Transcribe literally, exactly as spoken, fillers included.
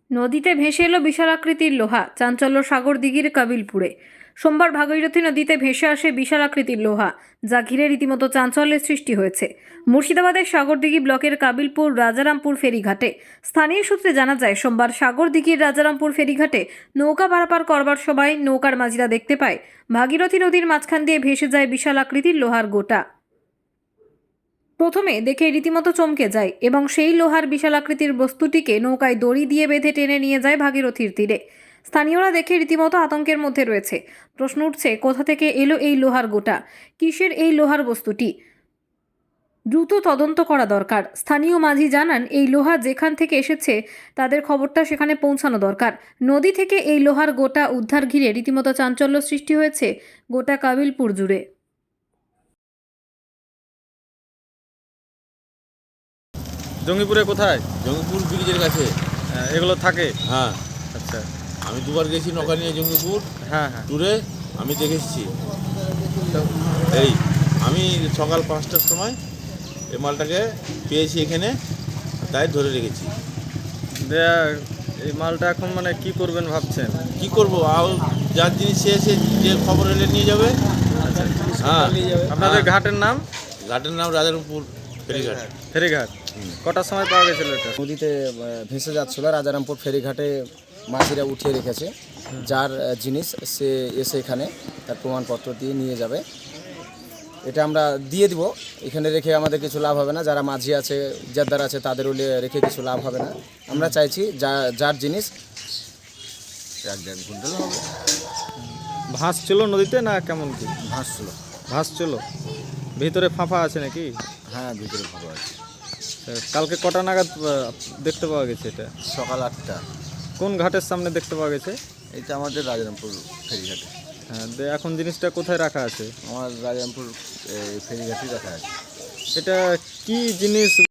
নদীতে ভেসে এলো বিশাল আকৃতির লোহা, চাঞ্চল্য সাগরদিঘির কাবিলপুরে। সোমবার ভাগীরথী নদীতে ভেসে আসে বিশাল আকৃতির লোহা, যা ঘিরে রীতিমতো চাঞ্চল্যের সৃষ্টি হয়েছে মুর্শিদাবাদের সাগরদিঘি ব্লকের কাবিলপুর রাজারামপুর ফেরিঘাটে। স্থানীয় সূত্রে জানা যায়, সোমবার সাগরদিঘির রাজারামপুর ফেরিঘাটে নৌকা পারাপার করবার সময় নৌকার মাঝিরা দেখতে পায় ভাগীরথী নদীর মাঝখান দিয়ে ভেসে যায় বিশাল আকৃতির লোহার গোটা। প্রথমে দেখে রীতিমতো চমকে যায় এবং সেই লোহার বিশাল আকৃতির বস্তুটিকে নৌকায় দড়ি দিয়ে বেঁধে টেনে নিয়ে যায় ভাগীরথীর তীরে। স্থানীয়রা দেখে রীতিমতো আতঙ্কের মধ্যে রয়েছে। প্রশ্ন উঠছে, কোথা থেকে এলো এই লোহার গোটা, কিসের এই লোহার বস্তুটি? দ্রুত তদন্ত করা দরকার। স্থানীয় মাঝি জানান, এই লোহা যেখান থেকে এসেছে তাদের খবরটা সেখানে পৌঁছানো দরকার। নদী থেকে এই লোহার গোটা উদ্ধার ঘিরে রীতিমতো চাঞ্চল্য সৃষ্টি হয়েছে গোটা কাবিলপুর জুড়ে। জঙ্গিপুরে কোথায়? জঙ্গিপুর ব্রিজের কাছে। আহ, এগুলো থাকে? হ্যাঁ, আচ্ছা। আমি দুবার গেছি নৌকা নিয়ে জঙ্গিপুর হ্যাঁ হ্যাঁ। ট্যুরে, আমি দেখেছি। এই আমি সকাল পাঁচটার সময় এই মালটাকে পেয়েছি এখানে, তাই ধরে রেখেছি। দেয়া এই মালটা এখন মানে কি করবেন ভাবছেন? কি করব, আর যার জিনিস সে এসে যে খবর এলে নিয়ে যাবে। হ্যাঁ, আপনাদের হ্যাঁ। ঘাটের নাম? ঘাটের নাম রাজারামপুর ফেরিঘাট। ফেরিঘাট। কটার সময় পাওয়া গেছিল এটা? নদীতে আহ, ভেসে যাচ্ছিল, রাজারামপুর ফেরিঘাটে মাঝিরা উঠিয়ে রেখেছে। যার আহ, জিনিস সে এসে এখানে তার প্রমাণপত্র দিয়ে নিয়ে যাবে। এটা আমরা দিয়ে দিব, এখানে রেখে আমাদের কিছু লাভ হবে না। যারা মাঝি আছে, ইজারদার আছে, তাদেরও লে- রেখে কিছু লাভ হবে না। আমরা চাইছি যা যার জিনিস এক দেড় কুইন্টাল হবে। ভাস ছিল নদীতে না কেমন কি? ভাসছিল। ভাস ছিল, ভিতরে ফাঁপা আছে নাকি? হ্যাঁ, ভিতরে ভালো আছে। তা কালকে কটা নাগাদ আহ, দেখতে পাওয়া গেছে এটা? সকাল আটটা। কোন ঘাটের সামনে দেখতে পাওয়া গেছে? এটা আমাদের রাজারামপুর ফেরিঘাটে। হ্যাঁ, দে এখন জিনিসটা কোথায় রাখা আছে? আমার রাজারামপুর ফেরিঘাটেই রাখা আছে। এটা কি জিনিস